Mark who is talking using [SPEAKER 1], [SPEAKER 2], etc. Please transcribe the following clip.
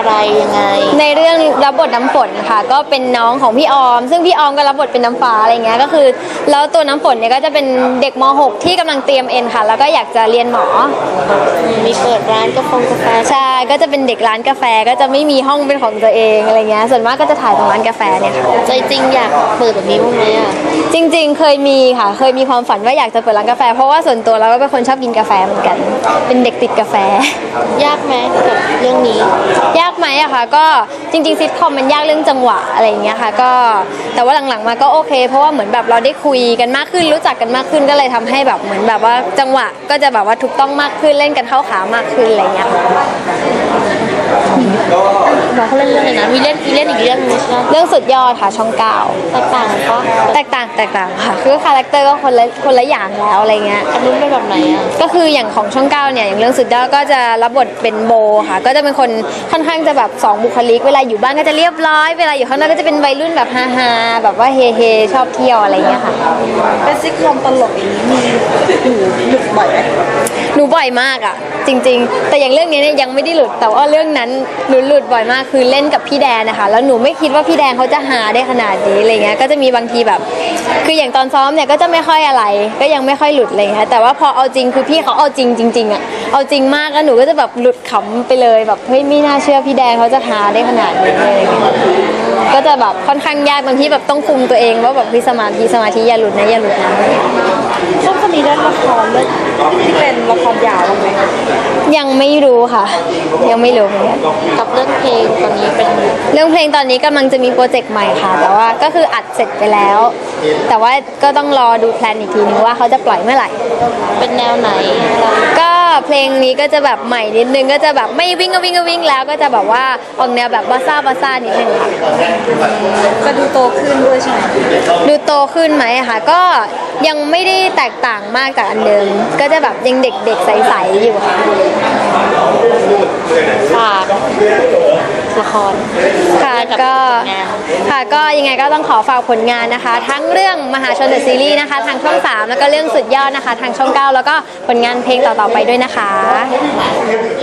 [SPEAKER 1] อะไรยังไง
[SPEAKER 2] ในเรื่องรับบทน้ำฝนค่ะก็เป็นน้องของพี่ออมซึ่งพี่ออมก็รับบทเป็นน้ำฟ้าอะไรเงี้ยก็คือแล้วตัวน้ำฝนเนี่ยก็จะเป็นเด็กม .6 ที่กำลังเตรียมเอ็นค่ะแล้วก็อยากจะเรียนหมอ
[SPEAKER 1] มีเปิดร้านกาแฟ
[SPEAKER 2] ใช่ก็จะเป็นเด็กร้านกาแฟก็จะไม่มีห้องเป็นของตัวเองอะไรเงี้ยส่วนมากก็จะถ่ายตรงร้านกาแฟเนี่ยค่ะ
[SPEAKER 1] ใจจริงอยากเปิดแบบนี้บ้างไหมอ่ะ
[SPEAKER 2] จริงๆเคยมีค่ะเคยมีความฝันว่าอยากจะเปิดร้านกาแฟเพราะว่าส่วนตัวเราก็เป็นคนชอบกินกาแฟเหมือนกันเป็นเด็กติดกาแฟ
[SPEAKER 1] ยากไหมกับเรื่องนี้
[SPEAKER 2] ยากไหมอะคะก็จริงๆซิทคอมมันยากเรื่องจังหวะอะไรอย่างเงี้ยค่ะก็แต่ว่าหลังๆมาก็โอเคเพราะว่าเหมือนแบบเราได้คุยกันมากขึ้นรู้จักกันมากขึ้นก็เลยทำให้แบบเหมือนแบบว่าจังหวะก็จะแบบว่าถูกต้องมากขึ้นเล่นกันเข้าขามากขึ้นอะไรเงี้ย
[SPEAKER 1] บอกเขาเล่นเรื่องอะไรนะมีเล่นอีกเรื่องนึงใช่ไหม
[SPEAKER 2] เรื่องสุดยอดค่ะช่อง9
[SPEAKER 1] แตกต่างปะ
[SPEAKER 2] แตกต่างค่ะคือคาแรคเตอร์ก็คนละอย่างแล้วอะไรเงี้ย
[SPEAKER 1] อันนู้นเป็นแบบไหนอ่ะ
[SPEAKER 2] ก็คืออย่างของช่อง9เนี่ยอย่างเรื่องสุดยอดก็จะรับบทเป็นโบค่ะก็จะเป็นคนค่อนข้างจะแบบ2บุคลิกเวลาอยู่บ้านก็จะเรียบร้อยเวลาอยู่ข้างนอกก็จะเป็นวัยรุ่นแบบฮาๆแบบว่าเฮชอบเที่ยวอะไรเงี้ยค่ะ
[SPEAKER 1] เป็นซิทคอมตลกอย่างนี้มีหลุดบ่อยไหม
[SPEAKER 2] หนูบ่อยมากอ่ะจริงๆแต่อย่างเรื่องนี้เนี่ยยังไม่ได้หลุดแต่ว่าเรื่องนั้นหนูหลุดบ่อยมากคือเล่นกับพี่แดนนะคะแล้วหนูไม่คิดว่าพี่แดนเขาจะหาได้ขนาดนี้อะไรเงี้ยก็จะมีบางทีแบบคืออย่างตอนซ้อมเนี่ยก็จะไม่ค่อยอะไรก็ยังไม่ค่อยหลุดอะไรเงี้ยแต่ว่าพอเอาจริงคือพี่เขาเอาจริงอ่ะเอาจริงมากแล้วหนูก็จะแบบหลุดขำไปเลยแบบเฮ้ยไม่น่าเชื่อพี่แดนเขาจะหาได้ขนาดนี้อะไรเงี้ยก็จะแบบค่อนข้างยากบางทีแบบต้องคุมตัวเองว่าแบบพี่สมาธิอย่าหลุดนะ
[SPEAKER 1] ช่วงนี้ได้ละครเรื่องที่เป็นละครยาวบ้างไหม
[SPEAKER 2] ยังไม่รู้ค่ะยังไม่รู้เหมือนกัน
[SPEAKER 1] กับเรื่องเพลงตอนนี้เป็น
[SPEAKER 2] เรื่องเพลงตอนนี้กำลังจะมีโปรเจกต์ใหม่ค่ะแต่ว่าก็คืออัดเสร็จไปแล้วแต่ว่าก็ต้องรอดูแพลนอีกทีนึงว่าเขาจะปล่อยเมื่อไหร่
[SPEAKER 1] เป็นแนวไหน
[SPEAKER 2] ก็เพลงนี้ก็จะแบบใหม่นิดนึงก็จะแบบไม่วิ่งก็วิ่งแล้วก็จะแบบว่าออกแนวแบบบาซ่านิดนึงค่ะ
[SPEAKER 1] จะดูโตขึ้นด้วยใช่ไหม
[SPEAKER 2] ดูโตขึ้นไหมค่ะก็ยังไม่ได้แตกต่างมากจากอันเดิมก็จะแบบยังเด็กๆใสๆอยู่ค่ะ
[SPEAKER 1] ฝากละคร
[SPEAKER 2] ค่ะก็ยังไงก็ต้องขอฝากผลงานนะคะทั้งเรื่องมหาชนเดอะซีรีส์นะคะทางช่อง3แล้วก็เรื่องสุดยอดนะคะทางช่อง9แล้วก็ผลงานเพลงต่อๆไปด้วยนะคะ